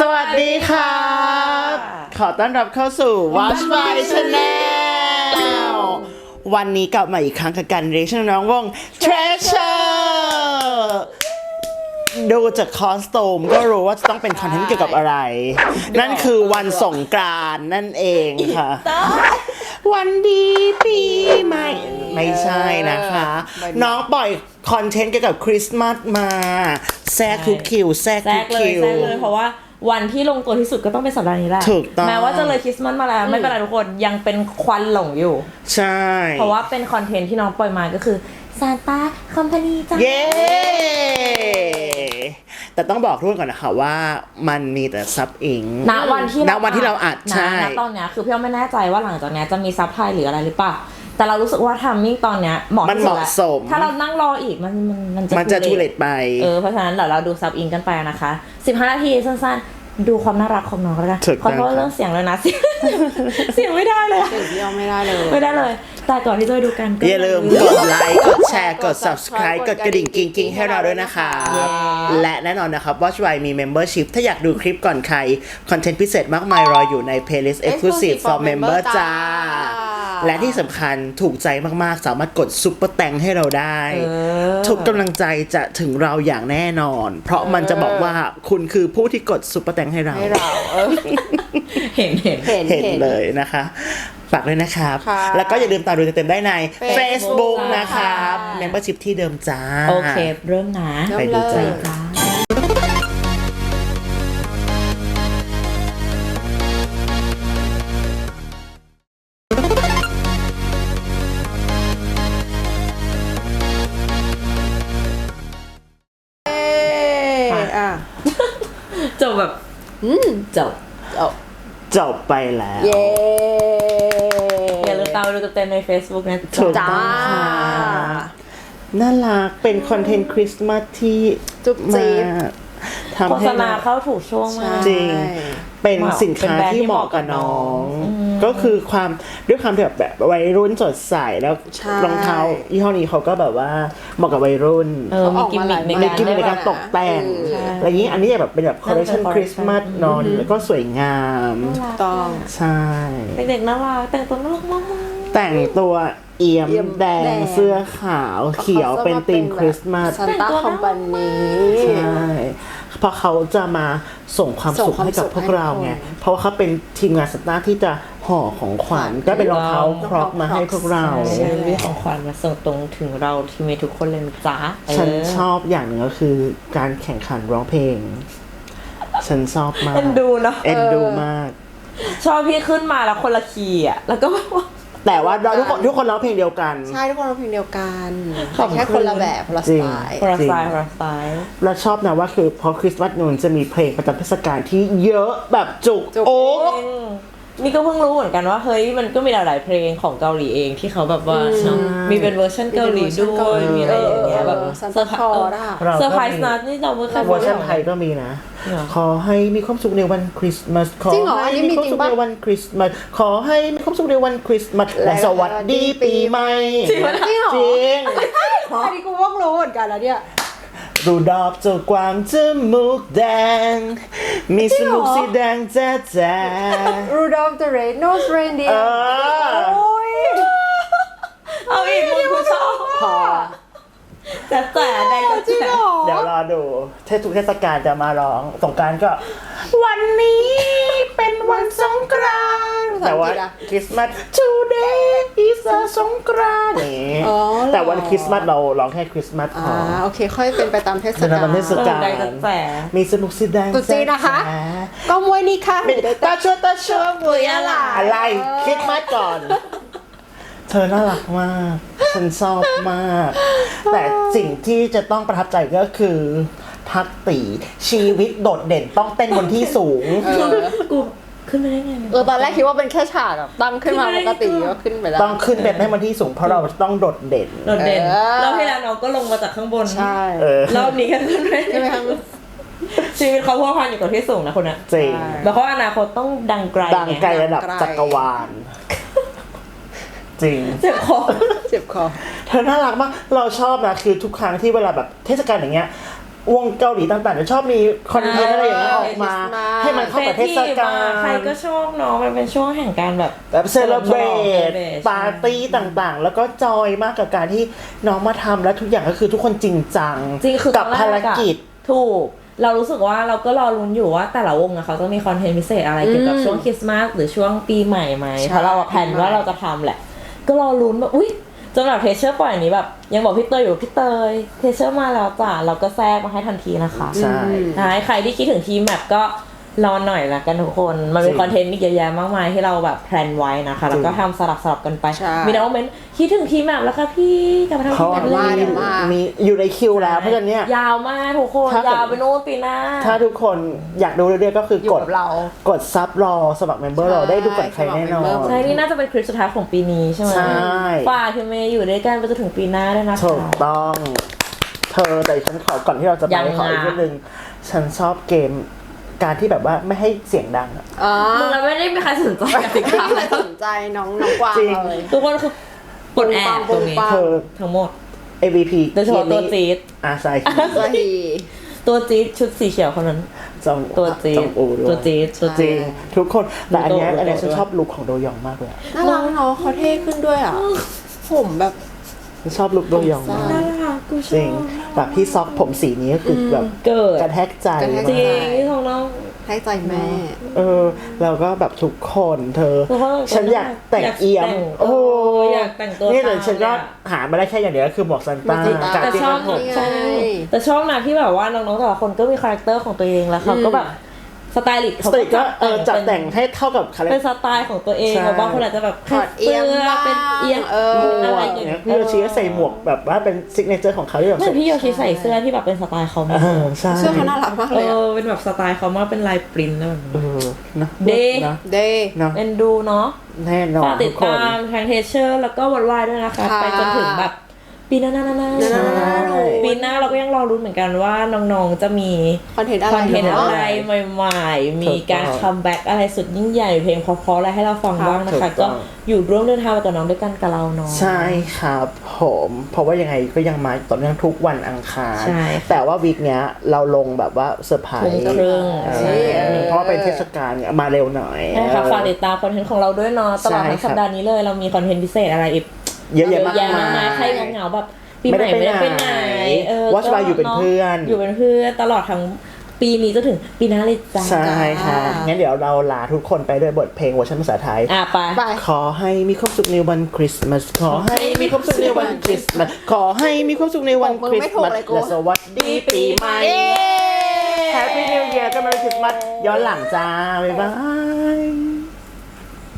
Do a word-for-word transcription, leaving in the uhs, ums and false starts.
วัสดีครับขอต้อนรับเข้าสู่ Watch My Channel วันนี้กลับมาอีกครั้งกับการเรียกชื่อน้องวง Treasure ดูจากคอสตูมก็รู้ว่าจะต้องเป็นคอนเทนต์เกี่ยวกับอะไร นั่นคือวันสงกรานต์นั่นเองค่ะ วันดีปีใหม่ไม่ใช่นะคะ น้องปล่อยคอนเทนต์เกี่ยวกับคริสต์มาสมาแทรกทุกคิวแทรกแทรทุกกเลยคิวแทรกเลยเพราะว่าวันที่ลงตัวที่สุดก็ต้องเป็นสัปดาห์นี้แหละถูกต้องแม้ว่าจะเลยคริสต์มาสมาแล้วไม่เป็นไรทุกคนยังเป็นควันหลงอยู่ใช่เพราะว่าเป็นคอนเทนต์ที่น้องปล่อยมาก็คือซานต้าคอมพานีจ้าเย้แต่ต้องบอกทุกคนก่อนนะคะว่ามันมีแต่ซับอิงณวันที่ณวันที่เราอัดใช่ณตอนเนี้ยคือพี่อ้อมไม่แน่ใจว่าหลังจากเนี้ยจะมีซับไทยหรืออะไรหรือเปล่าแต่เรารู้สึกว่าทัมมิ่งตอนเนี้ยเหมาะมันที่เหสุดมาะแล้วสมถ้าเรานั่งรออีกมันมันมันจะมันจะทูเลตไปเออเพราะฉะนั้นเดี๋ยวเราดูซับอิงกันไปนะคะสิบห้านาทีสั้นๆดูความน่ารักของน้องแล้วกันถูกขอต้องโทษเรื่องเสียงเลยนะ เสียงไม่ได้เลยอะเสียงพี่อ้อมไม่ได้เลยไม่ได้เลย แต่ก่อนที่จะไปดูกันก็อย่าลืมกดไลค์ กดแชร์ กด subscribe กดกระดิ่งกิ๊งๆให้เราด้วยนะคะ และแน่นอนนะครับ Watch Why มี membership ถ้าอยากดูคลิปก่อนใคร คอนเทนต์พิเศษมากมายรออยู่ใน playlist exclusive for member จ้า และที่สำคัญถูกใจมากๆ สามารถกดซุปเปอร์แตงให้เราได้ ทุกกำลังใจจะถึงเราอย่างแน่นอน เพราะมันจะบอกว่าคุณคือผู้ที่กดซุปเปอร์แตงให้เราให้เราเออเห็นเห็นเห็นเห็นเลยนะคะ ฝากด้วยนะครับค่ะแล้วก็อย่าลืมตามดูเต็มๆได้ใน Facebook Facebook นะครับค่ะ Membership ที่เดิมจ้าโอเค เริ่มนะไปดูจ้าจ้าเอ้ยอ่ะจบแบบอืมจบเอาจบไปแล้วเย้อย่าลืมตามดูเต็มๆใน Facebook นะถูกจ้าต้องค่ะน่ารักเป็นคอนเทนต์คริสต์มาสที่จุ๊บจิ๊บมาทำโฆให้ษณาเข้าถูกช่วงมากจริง เป็นสินค้าที่เหมาะกับน้อง ก็คือความด้วยความที่แบบแบบวัยรุ่นสดใสแล้วใช่รองเท้ายี่ห้อนี้เขาก็แบบว่าเหมาะกับวัยรุ่นเออมีกิมมิคในมีการกิมมิคในการตกแต่งใช่อะไรอย่างนี้อันนี้แบบเป็นแบบคอลเลคชันน่าจะคริสต์มาสนอนแล้วก็สวยงามต้องใช่เด็กๆน่ารักแต่งตัวน่ารักมากแต่งตัวเอี่ยมเอี่ยมแดแดงงเสื้อขาวเขียวเป็นธีมคริสต์มาสซันต้าคอมพานีใช่เพราะเขาจะมาส่งความส่สุงขความให้กับสุขพวกเราไงให้ทุกคนเพราะว่าเขาเป็นทีมงานสตาร์ที่จะห่อของขวัญก็เป็นรองเท้าครอปมาให้พวกเราใช่มีของขวัญมาส่งตรงถึงเราทีมเมทุกคนเลยนะจ้าฉันชอบอย่างหนึ่งก็คือการแข่งขันร้องเพลง ฉันชอบมากเอ็นดูเนาะเอ็นดูมากชอบพี่ขึ้นมาแล้วคนละคีย์อ่ะแล้วก็แบบว่าแต่ว่าเราทุกคนทุกคนร้องเพลงเดียวกันใช่ทุกคนร้องเพลงเดียวกันขอบคุณแต่แค่คนละแบบคนละสไตล์พาราไซพาราไซเราชอบนะว่าคือพอคริสต์มาสนูนจะมีเพลงประจำเทศกาลที่เยอะแบบจุกจุกโอ๊กนี่ก็เพิ่งรู้เหมือนกันว่าเฮ้ยมันก็มีหลายๆเพลงของเกาหลีเองที่เขาแบบว่าเนอะมีเป็นเวอร์ชันเกาหลีด้วยมีอะไรอย่างเงี้ยแบบซันต้าคอร์ดอะเราเซอร์ไพรก็ส์มีนะนี่เราไม่เคยเวอร์ชันไทยก็มีนะเหรอขอให้มีความสุขในวันคริสต์มาสขอจริงเหรออัให้นนี้มีมีความจริงสุขปะในวันคริสต์มาสขอให้มีความสุขในวันคริสต์มาสและสวัสดีปีใหม่จริงเหรอจริงอันนี้กูเพิ่งรู้เหมือนกันแล้วเนี่ยรูดอกเจ้ากวางจมูกแดง มีสมูกสีแดงแจ๊ะแจ๊ะ Rudolph the Red-Nosed เอ Reindeer อโอ้ยเอาอีกมึงกูชอบพอแต่แต่ใดก็จริงเหรอเดี๋ยวรอดูเทศทุกเทศกาลจะมาร้องสงกรานต์ก็ วันนี้เป็นวันสงกรานต์แต่ว่าคริสต์มาส today is a สงกรานต์นี่อ๋อเหรอแต่วันคริสต์มาสเราร้องแค่คริสต์มาสพอ่าอโอเคค่อยเป็นไปตามเทศเป็นกาตามเทศลกาลใดก็แต่มีสนุกสีแดงตุ๊จีนนะคะ ก็มวยนี่ค่ะเป็นตาชัวตาชัวบุยอะไรอะไรคริสต์มาสก่อน เธอน่ารักมาก ฉันชอบมาก แต่สิ่งที่จะต้องประทับใจก็คือพักตีชีวิตโดดเด่นต้องเต้นบนที่สูงเออกูขึ้นไปได้ไงเออตอนแรกคิดว่าเป็นแค่ฉากแบบตั้งขึ้นมาปกติก็ขึ้นไปแล้วต้องขึ้นไปให้บนที่สูงเพราะเราต้องโดดเด่นโดดเด่นเออแล้วที่แล้วน้องก็ลงมาจากข้างบนใช่เออรอบนี้ก็ขึ้นไปใช่ไหมคะชีวิตเขาพัวพันอยู่กับที่สูงนะคนน่ะจริงใช่แล้วเขาอนาคตต้องดังไกลดังไกลระดับจักรวาล จริงเจ็บคอเจ็บคอเธอน่ารักมาก เราชอบนะคือทุกครั้งที่เวลาแบบเทศกาลอย่างเงี้ย วงเกาหลีต่างๆจะชอบมีคอนเทนต์อะไรอย่างเงี้ยออกมา Christmas ให้ให้มันเข้ากับเทศกาลใครก็ชอบเนาะมันเป็นช่วงแห่งการแบบแบบเซเลบรต celebrate ปาร์ตี้ต่างๆ แล้วก็จอยมากกับการที่น้องมาทำแล้วทุกอย่างก็คือทุกคนจริงจังจริงคือกับภารกิจถูกเรารู้สึกว่าเราก็รอลุ้นอยู่ว่าแต่ละวงอะเขาจะมีคอนเทนต์พิเศษอะไรเกี่ยวกับช่วงคริสต์มาสหรือช่วงปีใหม่ไหมเพราะเราอะแผนว่าเราจะทำแหละก็รอลุ้นแบบอุ๊ยจนแบบเทเชอร์ปล่อยอันนี้แบบยังบอกพี่เตยอยู่พี่เตยเทเชอร์มาแล้วจ้ะเราก็แทรกมาให้ทันทีนะคะใช่ใช่ใครที่คิดถึงทีมแมปก็รอหน่อยละกันทุกคนมันมีคอนเทนต์อีกเยอะแยะมากมายที่เราแบบแพลนไว้นะคะแล้วก็ทำสลับสลับกันไปใช่มีน้องเมนต์คิดถึงทีมแมปแล้วค่ะพี่กลับมาทำเขาทีมแมปดี๋ยวว่าเลยเดี๋ยวว่ามีอยู่ในคิวแล้วเพราะฉะนั้นเนี่ยยาวมากทุกคนถ้าเกิดยาวไปโน่นปีหน้าถ้าทุกคนอยากดูเรื่อยๆก็คืออยู่กดกับเรากดซับรอสมัครเมมเบอร์เราได้ดูก่อนใครแน่นอนสมัคร member ใช่นี่น่าจะเป็นคลิปสุดท้ายของปีนี้ใช่ไหมใช่ฝากทีมเมย์อยู่ด้วยกันไปจนถึงปีหน้าด้วยนะคะถูกต้อง เธอแต่ฉันขอก่อนที่เราจะไปยังไงขออีกนิดนึงฉันชอบเกมการที่แบบว่าไม่ให้เสียงดังอะอ๋อมึงเราไม่ได้มีใครสนใจกติกาไม่สนใจน้องน้องกวางจริงเลยทุกคนคือกดแอบตรงนี้ปังเธอทั้งหมดเอ วี พีโดยเฉพาะตัวจี๊ดอาใช่สฮีตัวจี๊ดชุดสีเขียวคนนั้นจองตัวจี๊จดองอูด้วยตัวจี๊ดตัวจจี๊ริดงทุกคนแต่อันเนี้ยดูโตอันเนี้ยดูโตฉันชอบลุคของโดยองมากเลยอะน่ารักเนาะเขาเท่ขึ้นด้วยอ่ะ ผมแบบฉันชอบลุคโดยองมากน่ารักกูชจอริงบแบบพี่ซอกผมสีนี้ก็คือแบบเกิดกระแทกใจกระแทกจริมาง กที่ของน้องให้ใจแม่เออแล้วก็แบบทุกคนเธอทุกคนฉันอยากแต่งอยากเอี่ยมแต่งโอ้โหอยากแต่งตัวนี่เลยตามฉันก็เลยอะหามาได้แค่อย่างเดียวก็คือหมวกซันต้าหมวกซันต้ากับแต่ที่ชอบผมนี่ไงใช่แต่ชอบนะที่แบบว่าน้องๆแต่ละคนก็มีคาแรคเตอร์ของตัวเองแล้วเขาก็แบบสไตลิสต์สตรีทก็เออจัดแต่งเป็นให้เท่ากับคาแรคเป็นสไตล์ของตัวเองใช่แบบบางคนอาจจะแบบถอดเอี๊ยมบ้างเป็นเอียงเออหมอะวไรกอย่างเนี่เงี้ยยพี่โยชิก็ใส่หมวกแบบว่าเป็นซิกเนเจอร์ของเขาที่แบบเหมือนพี่โยชิใส่เสื้อที่แบบเป็นสไตล์เขาเอมากอใช่เสื้อเขาน่ารักมากเอเลยอะอเป็นแบบสไตล์เขามากเป็นลายปริ้นท์แล้วแบบเอนี้อนะเดนะเดย์เนาะเอ็นดูเนาะแน่นอฝาน กติทุดกคนตามทางเทเชอร์แล้วก็วันวายด้วยนะคะค่ะไปจนถึงแบบปีหน้าหน้าหน้าหน้าใช่ปีหน้าเราก็ยังรอรุ้นเหมือนกันว่าน้องๆจะมีคอนเทนต์อะไรคอนเทนต์เนาะอะไรใหม่ๆ มีการคัมแบ็กอะไรสุดยิ่งใหญ่เพลงเพราะๆอะไรให้เราฟังบ้างนะคะ ก็อยู่ร่วมเดินทางไปกับน้องด้วยกันกับเราเนาะใช่ครับผมเพราะว่ายังไงก็ยังมาต่อเนื่องทุกวันอังคารใช่แต่ว่าวีคเนี้ยเราลงแบบว่าเซอร์ไพรทุ่มส์ครึ่งเออใช่เพราะว่าเป็นเทศกาลเนี่ยมาเร็วหน่อยใช่ค่ะฝากติดตามคอนเทนต์ของเราด้วยเนาะตลอดทั้งใช่ครับสัปดาห์นี้เลยเรามีคอนเทนต์พิเศษอะไรอีกเยอะแยะมากเยอะแยะมากมายมายใครเหงาๆแบบปีใหม่ไม่ได้ไปไหนเออ Watch By อยู่เป็นเพื่อนอยู่เป็นเพื่อนตลอดทั้งปีนี้จนถึงปีหน้าเลยจ้าใช่ค่ะ งั้นเดี๋ยวเราลาทุกคนไปด้วยบทเพลงเวอร์ชันภาษาไทยอ่ะไปไปขอให้มีความสุขในวันคริสต์มาส ขอให้มีความสุขในวันคริสต์มาส ขอให้มีความสุขในวันคริสต์มาส และสวัสดีปีใหม่ Happy New Year กันมาเลยคริสต์มาสย้อนหลังจ้า บ๊ายบาย